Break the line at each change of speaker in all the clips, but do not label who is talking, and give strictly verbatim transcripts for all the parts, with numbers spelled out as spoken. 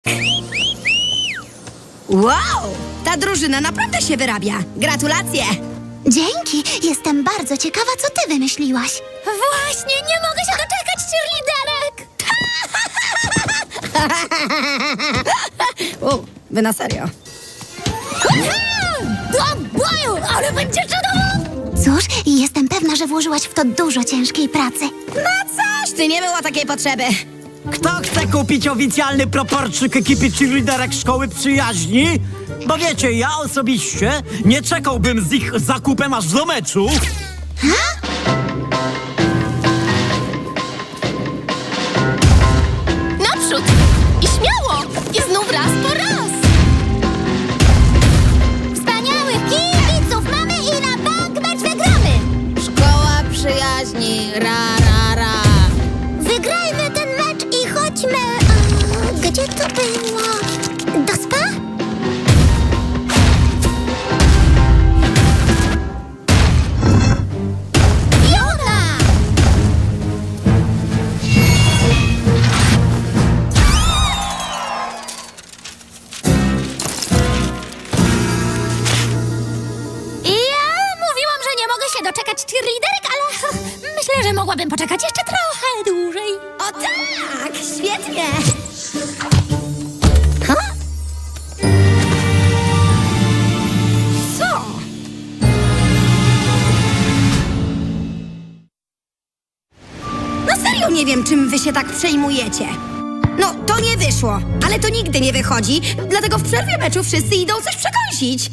Wow! Ta drużyna naprawdę się wyrabia. Gratulacje!
Dzięki. Jestem bardzo ciekawa, co ty wymyśliłaś.
Właśnie, nie mogę się doczekać cheerleaderek!
U, wy na serio.
Do boju, ale będzie czadowo!
Cóż, jestem pewna, że włożyłaś w to dużo ciężkiej pracy.
No coś, ty nie było takiej potrzeby.
Kto chce kupić oficjalny proporczyk ekipy cheerleaderek Szkoły Przyjaźni? Bo wiecie, ja osobiście nie czekałbym z ich zakupem aż do meczu.
Naprzód! I śmiało! I znów raz po raz! Wspaniałych kibiców mamy i na bank mecz wygramy!
Szkoła Przyjaźni, ra, ra, ra.
Wygrajmy ten mecz i chodźmy... A, gdzie to było? Do spa?
Jona! Ja mówiłam, że nie mogę się doczekać cheerleaderek, ale myślę, że mogłabym poczekać jeszcze trochę dłużej.
O tak, świetnie. Ha? Co? No serio nie wiem, czym wy się tak przejmujecie. No, to nie wyszło, ale to nigdy nie wychodzi, dlatego w przerwie meczu wszyscy idą coś przekąsić.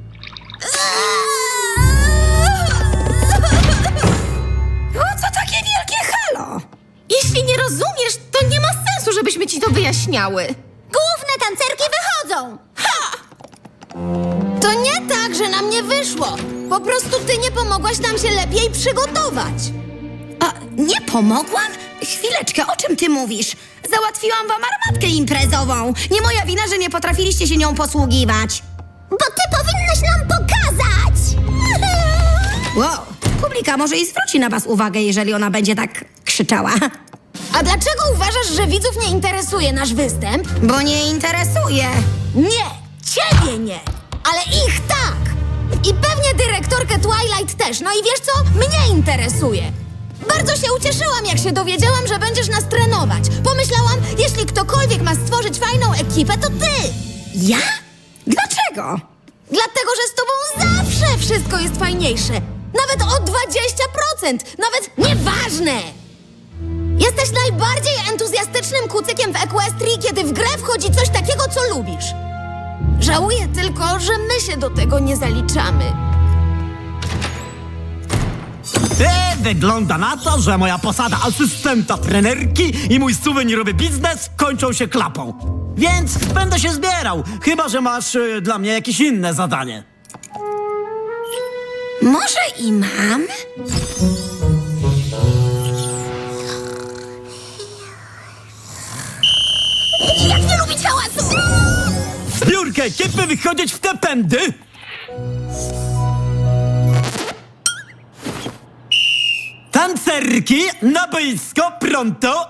O co takie wielkie halo?
Jeśli nie rozumiesz, to nie ma sensu, żebyśmy ci to wyjaśniały. Główne tancerki wychodzą! Ha! To nie tak, że nam nie wyszło. Po prostu ty nie pomogłaś nam się lepiej przygotować.
A, nie pomogłam? Chwileczkę, o czym ty mówisz? Załatwiłam wam armatkę imprezową. Nie moja wina, że nie potrafiliście się nią posługiwać.
Bo ty powinnaś nam pokazać!
Wow, publika może i zwróci na was uwagę, jeżeli ona będzie tak krzyczała.
A dlaczego uważasz, że widzów nie interesuje nasz występ?
Bo nie interesuje.
Nie, ciebie nie, ale ich tak. I pewnie dyrektorkę Twilight też. No i wiesz co? Mnie interesuje. Bardzo się ucieszyłam, jak się dowiedziałam, że będziesz nas trenować. Pomyślałam, jeśli ktokolwiek ma stworzyć fajną ekipę, to ty.
Ja? Dlaczego?
Dlatego, że z tobą zawsze wszystko jest fajniejsze. Nawet o dwadzieścia procent. Nawet nieważne. Jesteś najbardziej entuzjastycznym kucykiem w Equestrii, kiedy w grę wchodzi coś takiego, co lubisz. Żałuję tylko, że my się do tego nie zaliczamy.
E, wygląda na to, że moja posada asystenta trenerki i mój suwenirowy biznes kończą się klapą. Więc będę się zbierał, chyba że masz e, dla mnie jakieś inne zadanie.
Może i mam?
Jak nie lubić hałasu!
Zbiórkę ekipy wychodzić w te pędy! Tancerki na boisko pronto!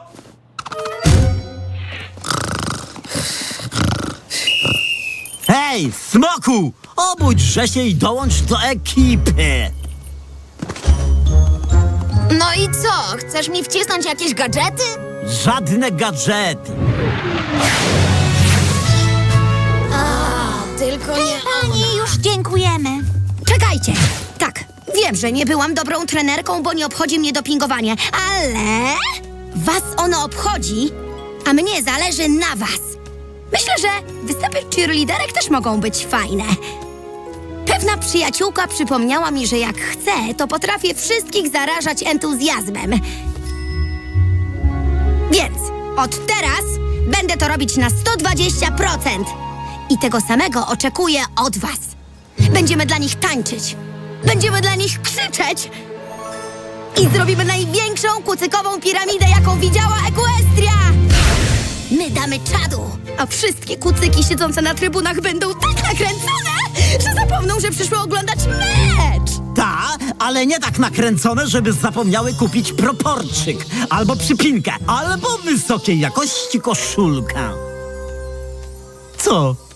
Hej, smoku! Obudźże się i dołącz do ekipy!
No i co? Chcesz mi wcisnąć jakieś gadżety?
Żadne gadżety!
Tylko nie
Pani, już dziękujemy.
Czekajcie. Tak, wiem, że nie byłam dobrą trenerką, bo nie obchodzi mnie dopingowanie, ale was ono obchodzi, a mnie zależy na was. Myślę, że występy cheerleaderek też mogą być fajne. Pewna przyjaciółka przypomniała mi, że jak chcę, to potrafię wszystkich zarażać entuzjazmem. Więc od teraz będę to robić na sto dwadzieścia procent. I tego samego oczekuję od was. Będziemy dla nich tańczyć. Będziemy dla nich krzyczeć. I zrobimy największą kucykową piramidę, jaką widziała Equestria. My damy czadu, a wszystkie kucyki siedzące na trybunach będą tak nakręcone, że zapomną, że przyszły oglądać mecz.
Ta, ale nie tak nakręcone, żeby zapomniały kupić proporczyk, albo przypinkę, albo wysokiej jakości koszulkę. co?